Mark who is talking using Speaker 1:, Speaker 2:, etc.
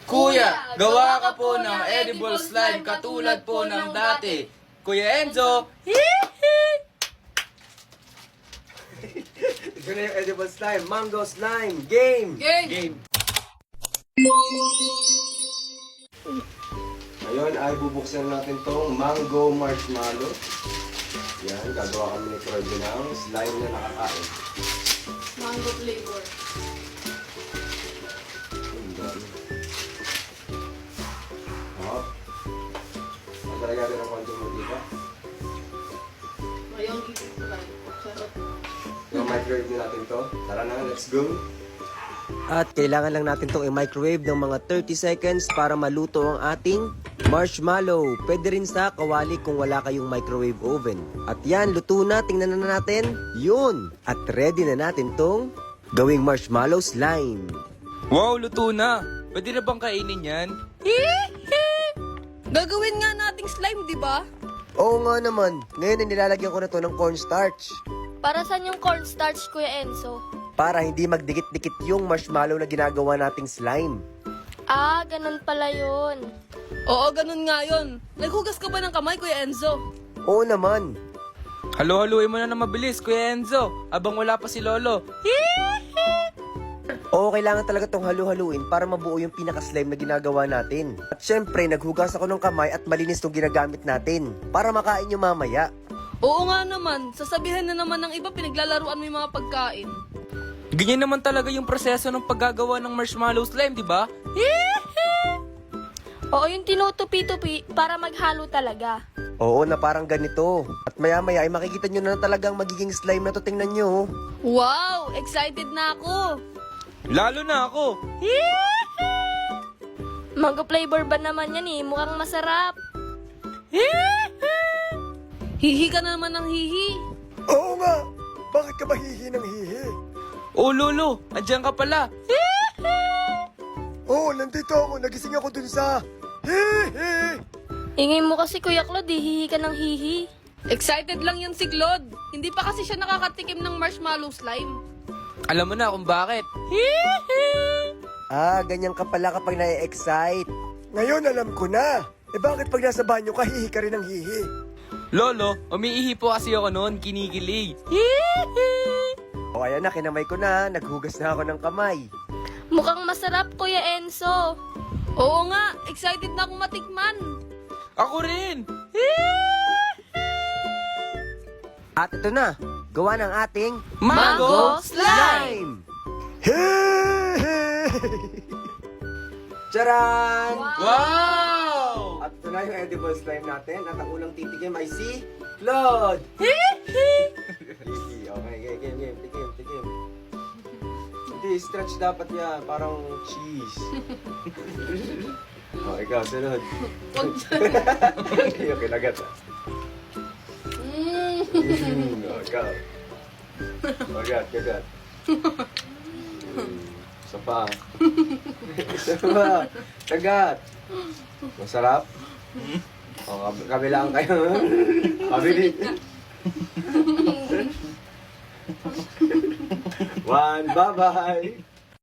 Speaker 1: Kuya, gawa ka po ng edible slime katulad po ng dati. Kuya Enzo,
Speaker 2: Ito na yung edible slime, mango slime, game!
Speaker 1: game.
Speaker 2: Ngayon ay bubuksan natin tong mango marshmallow. Yan, gagawa kami ni Kirby ng slime na nakakain.
Speaker 3: Mango flavor.
Speaker 2: Ang dami. Hop. Maglalagay natin ng konting mantika.
Speaker 3: Mayong gigit. Sarap.
Speaker 2: Yung microwave na natin to. Tara na, let's go!
Speaker 4: At kailangan lang natin itong i-microwave ng mga 30 seconds para maluto ang ating marshmallow. Pwede rin sa kawali kung wala kayong microwave oven. At yan, luto na. Tingnan na natin. Yun! At ready na natin tong gawing marshmallow slime.
Speaker 1: Wow, luto na. Pwede na bang kainin yan?
Speaker 3: Gagawin nga nating slime, di ba?
Speaker 4: Oo nga naman. Ngayon ay nilalagyan ko na to ng cornstarch.
Speaker 5: Para saan yung cornstarch, Kuya Enzo?
Speaker 4: Para hindi magdikit-dikit yung marshmallow na ginagawa nating slime.
Speaker 5: Ah, ganun pala yun.
Speaker 3: Oo, ganun nga yun. Naghugas ka ba ng kamay, Kuya Enzo?
Speaker 4: Oo naman.
Speaker 1: Halo-haluin mo na ng mabilis, Kuya Enzo. Abang wala pa si Lolo.
Speaker 4: Oo, kailangan talaga tong halu-haluin para mabuo yung pinaka-slime na ginagawa natin. At syempre, naghugas ako ng kamay at malinis tong ginagamit natin para makain nyo mamaya.
Speaker 3: Oo nga naman. Sasabihan na naman ng iba pinaglalaruan mo yung mga pagkain.
Speaker 1: Ganyan naman talaga yung proseso ng paggagawa ng marshmallow slime, di ba?
Speaker 5: Oo, yung tinutupi-tupi para maghalo talaga.
Speaker 4: Oo, na parang ganito. At maya-maya ay makikita nyo na talagang magiging slime na to. Tingnan nyo.
Speaker 3: Wow! Excited na ako!
Speaker 1: Lalo na ako.
Speaker 5: Mango flavor ba naman yan eh? Mukhang masarap.
Speaker 3: Hihi ka naman ng hihi.
Speaker 4: Oo nga! Bakit ka ba hihi ng hihi?
Speaker 1: Oh, Lolo, andyan ka pala.
Speaker 4: Oo, nandito ako. Nagising ako dun sa hihi.
Speaker 5: Ingay mo kasi, Kuya Claude, hihi ka ng hihi.
Speaker 3: Excited lang yan si Claude. Hindi pa kasi siya nakakatikim ng marshmallow slime.
Speaker 1: Alam mo na kung bakit.
Speaker 4: Ah, ganyan ka pala kapag na-excite. Ngayon alam ko na. Eh bakit pag nasa banyo ka, hihi ka rin ng hihi?
Speaker 1: Lolo, umiihi po kasi ako noon, kinikilig.
Speaker 4: O ayan na, kinamay ko na. Naghugas na ako ng kamay.
Speaker 5: Mukhang masarap, Kuya Enzo.
Speaker 3: Oo nga, excited na akong matikman.
Speaker 1: Ako rin.
Speaker 4: At ito na, gawa ng ating
Speaker 1: Mango
Speaker 4: slime! Charan!
Speaker 1: Wow!
Speaker 2: At ito na yung edible slime natin. At ang unang titikim ay si Claude! Okay, game. Tikim. Hindi, stretch dapat yan. Parang cheese. Oh, ikaw, sunod. Okay, kinagat. Oh, ikaw. Kagat. Isa pa. Kagat. Masarap? O, kabilaan kayo. Kabili. One, bye-bye.